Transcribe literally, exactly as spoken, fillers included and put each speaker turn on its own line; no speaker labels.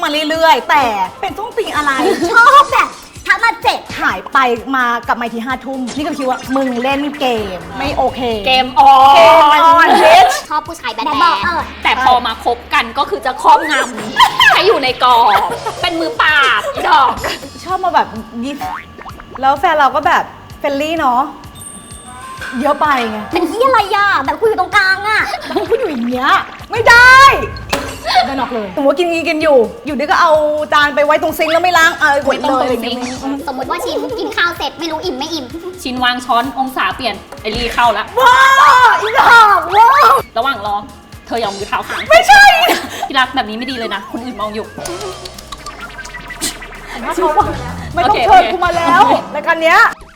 มาเรื่อยๆแต่เป็นส้นตีนอะไร
ชอบแบบทักมาเจ็บ
หายไปมากลับมาทีห้าทุ่มนี่ก็คิดว่ามึงเล่นเกมไม่โอเค
เกมออ
เกมออน
น
bitch
ชอบผู้ชายแบด
แบ
แบ
ด
ดเออ
แต่พอมาคบกันก็คือจะครอบงำ ให้อยู่ในกรอบเป็นมือปราบอีดอก
ชอบมาแบบยิบแล้วแฟนเราก็แบบเฟรนลี่เนาะเยอะไปไง
เป็นที่อะไรอ่ะแบบคุยอยู่ตรงกลางอ่ะ
แล้วก็พูดอยู่อย่างเงี้ยไม่ได้ไม่นอกเลยสมมติว่ากินกินกินอยู่ อยู่ดีก็เอาจานไปไว้ตรงซิงค์แล้วไม่ล้างเออ
ไม่ต้องตรง
เลย
ซิงค์
สมมติว่าชิมกินข้าวเสร็จไม่รู้อิ่มไม่อิ่ม
ชินวางช้อนองศาเปลี่ยนไอรีเข้าแล้ว
ว้าวอีดอกว้าว
ระหว่างรอเธอยอมมือเท้าค้าง
ไม่ใช่
ที่รักแบบนี้ไม่ดีเลยนะคนอื่นมองอยู่
ไม่ต้อง
โอเค
เชิญ
โอเค
กูมาแล้วรายการเนี้ย